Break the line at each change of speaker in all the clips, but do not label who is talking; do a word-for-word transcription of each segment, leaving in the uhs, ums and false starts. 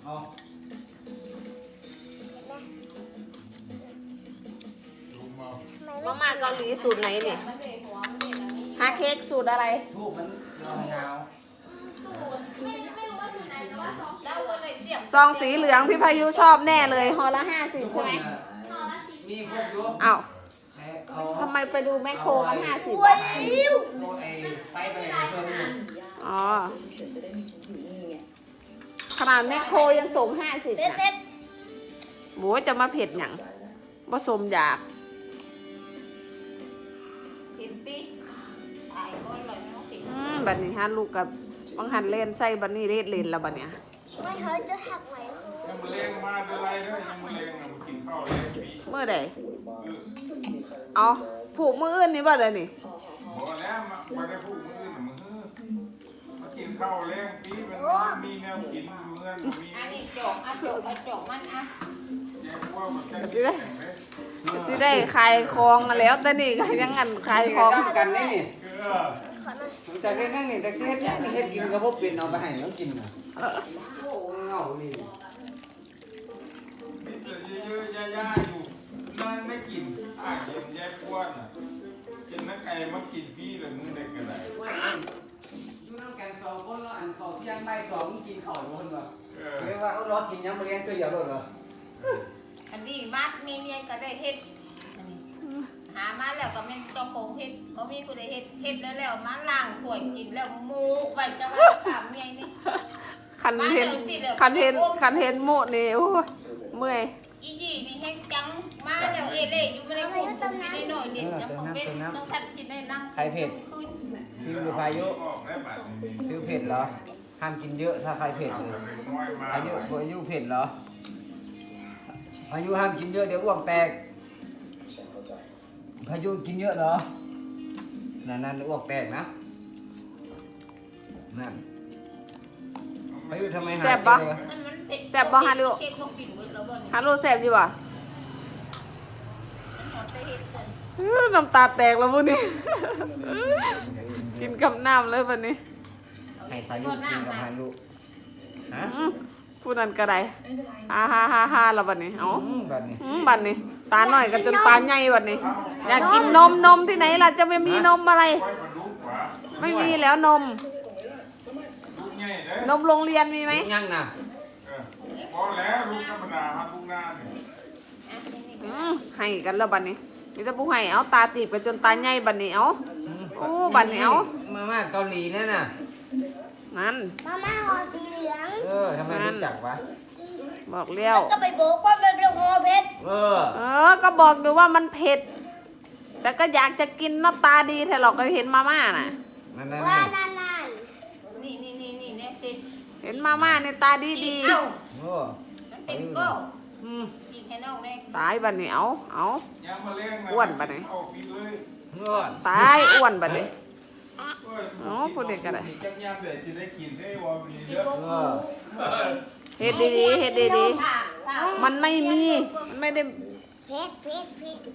อ๋อ
มาม่าเกาหลีสูตรไหนเนี่ยฮาเค้กสูตรอะไร
ทูบมันยาว
ซองสีเหลืองพี่พายุชอบแน่เลยห่อละห้าสิบใช่ไหม
มีพวกยุ
อ้าวทำไมไปดูแมคโครกันห้าสิบ
ไฟไปเพิ่ม
อ๋อขนาดแมคโครยังส่งห้าสิบนะหมูจะมาเผ็ดหยังผสมอยากเห็นติตายก้นเลยไม่ต้องติดอืมบัดนี้ฮะลูกกับบางหันเล่นใส่บัดนี้เล่นเล่นแล้วบัดเนี้ย
ไม่เขาจะหักไหม
ยังมาเลี้ยงมาเดือไรเด้อยังมาเลี้ยงมากินข้าวเลี้ยงปี
เมื่อใดเอาผูกมืออื่นนี่บ่เลยนี่
บอกแล้วมาไม่ได้พูดมือหนึ่งมือมากินข้าวเลี้ยงปีมันมีแนวกินอยู่เงินมี
อันนี้จกอ่ะจกอ่ะจกมันอ่ะ
แยกว่ามันจะกินอย่างไร
สิได้คลายคลองแล้วแต่นี่ก็ยังงันคลายคลอง
กันนี่นี่แต่เฮ็ดนั่งนี่แต่เฮ็ดนี่เฮ็ดกินกับพวกเป็นเอาไปให้น้องกินนะโอ้เงานี่
มีแต่เยอะๆย่าๆอยู่นั่งไม่กินอ่ะเย็นแยกอ้วนอ่ะกินนักไก่มากินพี่เลยมึงได้กันไหน
อยู่นั่งกันสองคนแล้วอันเขาที่ยังใบสองกินข้าวคนวะเรียกว่าเอาล้อกินยังมาเลี้ยงตัวเดียวเลยเหรอ
อันนี้มัดมีเมียก็ได้เฮ็ดหามาแล้วก็แม่นเจ้าของเฮ็ดบ่มีผู้ใดเฮ็ดเฮ็ดแล้วแล้วมาล้างถ้วยกินแล้วหมูไว้จะว่าถามเมียนี่
คันเทนคันเทนคันเทนโมนี่โอ้เมื่อย
อีจี้นี่แห้งจังมาแล้วเอเล่อยู่ไม่ได้พูดกินได้หน่อยเด็ดน้ำผมเป็นน้องทัดกินได้นั่ง
ใครเผ็ดฟิวหรือพายุฟิวเผ็ดเหรอห้ามกินเยอะถ้าใครเผ็ดเลยพายุพายุเผ็ดเหรอพายุห้ามกินเยอะเดี๋ยวอ้วกแตกพายุกินเยอะเหรอนั่นนั่นอ้วกแตกนะนั่นพายุทำไมหาย
แซ่บปะแซ่บปะฮารุฮารุแซ่บอยู่ป่ะน้ำตาแตกแล้วพวกนี้กินกับน้ำเลยวันนี้
ให้พายุกินกับฮารุฮะ
พูดนั่นก็ได้ฮ่าฮ่าฮ่าฮ่าแล้วบัดนี้เอา
บัดนี้
บัดนี้ตาหน่อยกันจนตาใหญ่บัดนี้อยากกินนมนมที่ไหนล่ะจะไม่มีนมอะไรไม่มีแล้วนมนมโรงเรียนมีไหม
ยังนะ
พอแล้วลูกธรรมดาครับลูกหน้าเนี่ย
ให้กันแล้วบัดนี้นี่จะพูดให้เอาตาตีบกันจนตาใหญ่บัดนี้เอาโอ้บัดนี้เอา
มาม่าเกาหลีนั่นน่ะ
นั่น
มาม่าห่อสีเหลือง
เออทำไมรู้จักวะ
บอกเลี้ยว
ก็ไปบอกว่ามันเป็นห่อเผ็ด
เออ
เออก็บอกดูว่ามันเผ็ดแต่ก็อยากจะกินหน้าตาดีแต่หรอกก็เห็นมาม่าน่ะ
นั่นนั่น
ว่านั่นนั่น
นี่นี่นี่นี่เนี่ยสิ
เห็นมาม่าในตาดีดี
เอ้า
โอ้
มันเป็นก็
อืม
กินแค่นอกเนี่ย
ตายบัดนี้เอาเอาอ้วนบัดนี้ตายอ้วนบัดนี้อ๋อพูดเด็กกันเลยเฮ็ดดีๆเฮ็ดดีๆมันไม่มีมันไม่ได้
เผ็ดเผ็ดเผ็ด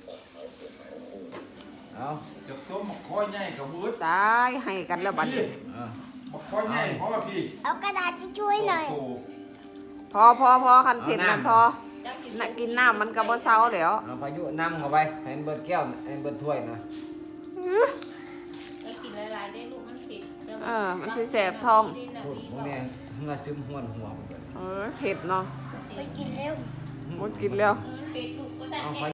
เอา
จะต้มมะข้อยใหญ่กับมืด
ตายให้กันแล้วบัดนี้
มะข้อยใหญ่เพราะว่าพี่
เอากระดาษที่ช่วยหน่อย
พอพอพอคันเผ็ดมันพอน่ะกินน้ำมันก็บ่เซาแล้ว
เอาพายุน้ำเข้าไปให้เบิดแก้วให้เบิดถ้วยนะ
ให้กินหลายๆได้ลูกมันเผ็ด
เออมันสิแสบท้อง
พูดพวกนี้เงาซึมห้วนหัว
เออเผ็ดเนาะ
ไปกินเร็ว
บ่กินแล้ว
เผ็ดลูกก็ใส่